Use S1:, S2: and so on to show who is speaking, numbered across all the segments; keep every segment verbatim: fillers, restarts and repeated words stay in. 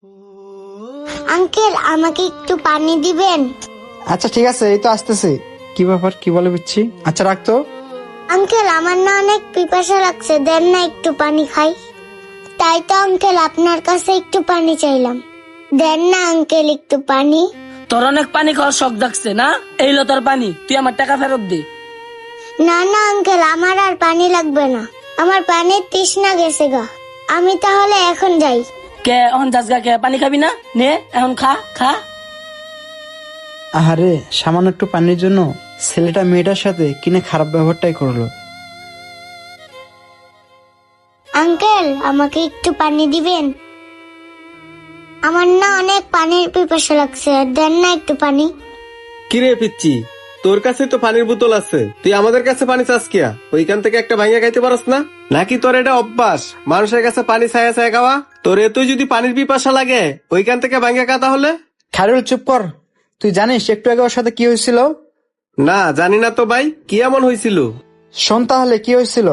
S1: Uncle আমাকে একটু পানি দিবেন?
S2: আচ্ছা ঠিক আছে, এই তো আসতেছি। কি ব্যাপার, কি বলে বুঝছি। আচ্ছা রাখতো।
S1: আঙ্কেল আমার না অনেক পিপাসা লাগছে, দেন না একটু পানি খাই। তাই তো আঙ্কেল আপনার কাছে একটু পানি চাইলাম, দেন না আঙ্কেল একটু পানি।
S3: তোর অনেক পানি খাওয়ার শখ জাগছে না? এই লো তোর পানি, তুই আমার টাকা ফেরত দে।
S1: না না আঙ্কেল, আমার আর পানি লাগবে না, আমার পানির তৃষ্ণা গেছে গা। আমি তাহলে এখন যাই।
S3: কে এখন যাসগা কে? পানি খাবি না? নে এখন খা খা।
S2: আহারে, সামান্য একটু পানির জন্য ছেলেটা মেয়েটার সাথে কিনে খারাপ ব্যবহারটাই করলো।
S1: আঙ্কেল আমাকে একটু পানি দিবেন? আমার না অনেক পানির পিপাসা লাগছে, দেন না একটু পানি।
S4: কিরে পিচ্ছি, তোর কাছে তো পানির বোতল আছে, তুই আমাদের কাছে পানি চাস কিয়া? ওইখান থেকে একটা ভাঙিয়া খাইতে পারস না? নাকি তোর এটা অভ্যাস মানুষের কাছে পানি ছায়া ছায়া খাওয়া? তোর এতই যদি পানির পিপাসা লাগে ওইখান থেকে ভাঙিয়া খা তাহলে।
S2: খায়রুল চুপ কর। তুই জানিস একটু আগে ওর সাথে কি হয়েছিল?
S4: না জানি না তো ভাই, কি এমন হয়েছিল?
S2: শোন তাহলে কি হয়েছিল,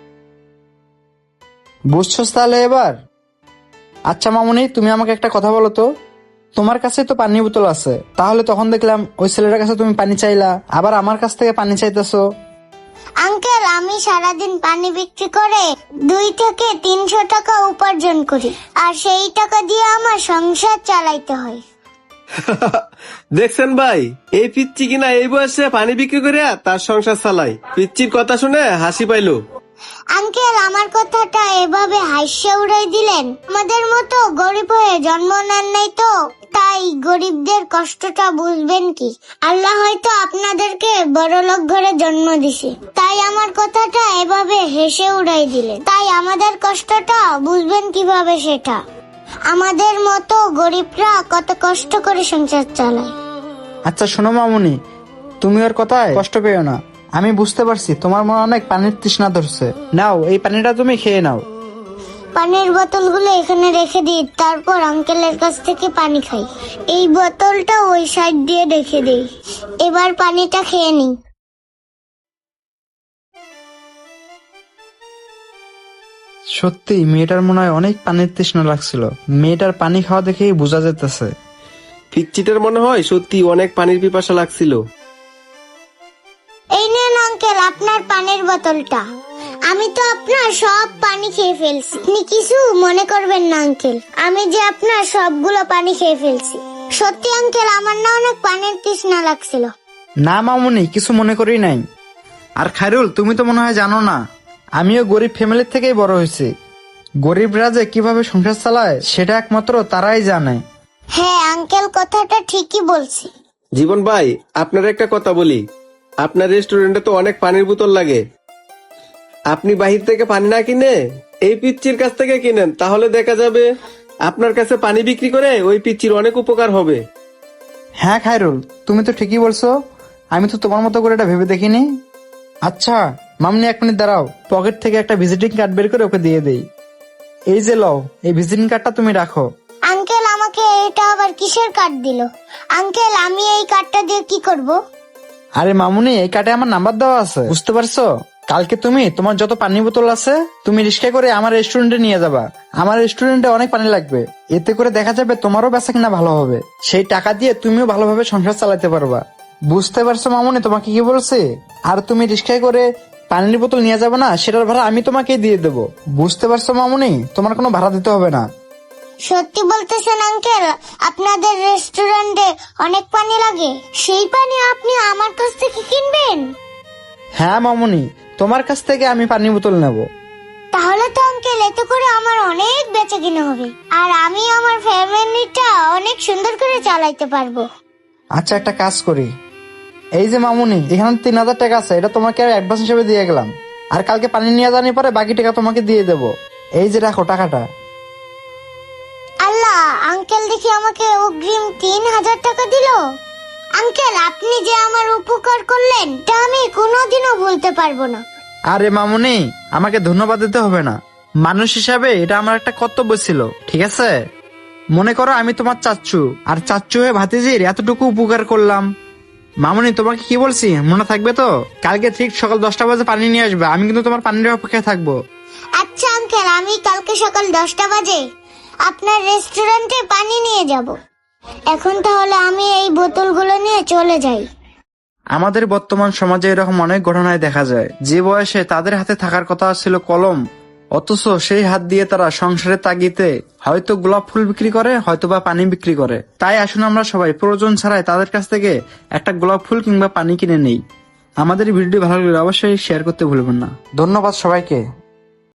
S2: বুঝছস তাহলে এবার? আচ্ছা মামুনি, তুমি আমাকে একটা কথা বলো তো, তোমার কাছে তো পানি বোতল আছে, তাহলে তখন দেখলাম ওই ছেলেটার কাছে তুমি পানি চাইলা, আবার আমার কাছ থেকে পানি চাইতেছো।
S1: আঙ্কেল আমি সারাদিন পানি বিক্রি করে দুই থেকে তিনশো টাকা উপার্জন করি, আর সেই টাকা দিয়ে আমার সংসার চালাইতে হয়।
S4: দেখছেন ভাই, এই পিচ্ছি কিনা এই বয়সে পানি বিক্রি করে তার সংসার চালায়। পিচ্চির কথা শুনে হাসি পাইলো।
S1: আঙ্কেল আমার কথাটা এভাবে হাসিয়ে উড়াই দিলেন? আমাদের মতো গরিব হয়ে জন্ম নেন নাই তো, তাই গরিবদের কষ্টটা বুঝবেন কি? আল্লাহ হয়তো আপনাদেরকে বড়লোক ঘরে জন্ম দিছে, তাই আমার কথাটা এভাবে হেসে উড়াই দিলেন। তাই আমাদের কষ্টটা বুঝবেন কিভাবে সেটা? আমাদের মতো গরিবরা কত কষ্ট করে সংসার চালায়।
S2: আচ্ছা শোনো মামুনি, তুমি ওর কথায় কষ্ট পেও না। আমি বুঝতে পারছি তোমার মনে অনেক পানির তৃষ্ণা ধরছে। নাও এই পানিটা তুমি খেয়ে নাও।
S1: পানির বোতলগুলো এখানে রেখে দিই, তারপর আঙ্কেলের কাছ থেকে পানি খাই। এই বোতলটা ওই সাইড দিয়ে রেখে দিই। এবার পানিটা খেয়ে নিই।
S2: সত্যি মেয়েটার মনে হয় অনেক পানির তৃষ্ণা লাগছিল। মেয়েটার পানি খাওয়া দেখেই বোঝা যেতেছে।
S4: পিচ্চিটার মনে হয় সত্যি অনেক পানির পিপাসা লাগছিল।
S1: এই নেন আঙ্কেল আপনার পানির বোতলটা। আমি তো আপনার সব পানি খেয়ে ফেলছি, আপনি কিছু মনে করবেন না আঙ্কেল, আমি যে আপনার সবগুলো পানি খেয়ে ফেলছি। সত্যি আঙ্কেল আমার না অনেক পানির তৃষ্ণা লাগছিল।
S2: না মামুনি, কিছু মনে করি নাই। আর খায়রুল, তুমি তো মনে হয় জানো না, আমিও গরিব ফ্যামিলির থেকেই বড় হয়েছি। গরিবরা যে কিভাবে সংসার চালায় সেটা একমাত্র তারাই জানে।
S1: হ্যাঁ আঙ্কেল কথাটা ঠিকই বলছি।
S4: জীবন ভাই, আপনার একটা কথা বলি, আপনার রেস্টুরেন্টে তো অনেক পানির বোতল লাগে, আপনি বাহির থেকে পানি না কিনে এই পিচ্চির কাছ থেকে কিনেন, তাহলে দেখা যাবে আপনার কাছে পানি বিক্রি করে ওই পিচ্চির অনেক উপকার হবে।
S2: হ্যাঁ খায়রুল, তুমি তো ঠিকই বলছো, আমি তো তোমার মতো করে এটা ভেবে দেখিনি। আচ্ছা মামনি, এক মিনিট দাঁড়াও, পকেট থেকে একটা ভিজিটিং কার্ড বের করে ওকে দিয়ে দেই। এই যে লও, এই ভিজিটিং কার্ডটা তুমি রাখো।
S1: আঙ্কেল আমাকে এটা আবার কিসের কার্ড দিল? আঙ্কেল আমি এই কার্ডটা দিয়ে কি করব?
S2: আরে মামুনি, এই কার্ডে আমার নাম্বার দেওয়া আছে, বুঝতে পারছো? কালকে তুমি তোমার যত পানি বোতল আছে তুমি রিক্সা করে আমার রেস্টুরেন্টে নিয়ে যাবা। আমার রেস্টুরেন্টে অনেক পানি লাগবে, এতে করে দেখা যাবে তোমারও বেচা কিনা ভালো হবে। সেই টাকা দিয়ে তুমিও ভালোভাবে সংসার চালাতে পারবা। বুঝতে পারছো মামুনি তোমাকে কি বলছে? আর তুমি রিক্সায় করে পানির বোতল নিয়ে যাবে না, সেটার ভাড়া আমি তোমাকে দিয়ে দেবো। বুঝতে পারছো মামুনি, তোমার কোনো ভাড়া দিতে হবে না।
S1: সত্যি বলতেছেন আঙ্কেল? আপনাদের রেস্টুরেন্টে অনেক পানি লাগে, সেই পানি আপনি আমার কাছ থেকে কিনবেন?
S2: হ্যাঁ মামুনি, তোমার কাছ থেকে আমি পানি বোতল নেব।
S1: তাহলে তো আঙ্কেল এতে করে আমার অনেক বেচা কিনা হবে, আর আমি আমার ফ্যামিলিটা অনেক সুন্দর করে চালাইতে পারবো।
S2: আচ্ছা একটা কাজ করি, এই যে মামুনি, এখানে তিন হাজার টাকা আছে, এটা তোমাকে অ্যাডভান্স হিসেবে দিয়ে গেলাম। আর কালকে পানি নিয়ে জানি পরে বাকি টাকা তোমাকে দিয়ে দেবো। এই যে রাখো টাকাটা।
S1: আল্লাহ, আঙ্কেল দেখি আমাকে অগ্রিম তিন হাজার টাকা দিল। আঙ্কেল আপনি যে আমার উপকার করলেন তা আমি কোনোদিনও ভুলতে পারবো না।
S2: আরে মামুনি, আমাকে ধন্যবাদ দিতে হবে না, মানুষ হিসাবে এটা আমার একটা কর্তব্য ছিল, ঠিক আছে? মনে করো আমি তোমার চাচ্চু, আর চাচ্চু হয়ে ভাতিজির এতটুকু উপকার করলাম। মামুনি তোমাকে কি বলছি মনে থাকবে তো? কালকে ঠিক সকাল দশটা বাজে পানি নিয়ে আসবে, আমি কিন্তু তোমার পানির অপেক্ষায় থাকবো।
S1: আচ্ছা আঙ্কেল, আমি কালকে সকাল দশটা বাজে আপনার রেস্টুরেন্টে পানি নিয়ে যাব। এখন তাহলে আমি এই বোতলগুলো নিয়ে চলে যাই।
S2: আমাদের বর্তমান সমাজে এরকম অনেক ঘটনায় দেখা যায়, যে বয়সে তাদের হাতে থাকার কথা ছিল কলম, অথচ সেই হাত দিয়ে তারা সংসারের তাগিদে হয়তো গোলাপ ফুল বিক্রি করে, হয়তো বা পানি বিক্রি করে। তাই আসুন আমরা সবাই প্রয়োজন ছাড়াই তাদের কাছ থেকে একটা গোলাপ ফুল কিংবা পানি কিনে নেই। আমাদের ভিডিও ভালো লাগলে অবশ্যই শেয়ার করতে ভুলবেন না। ধন্যবাদ সবাইকে।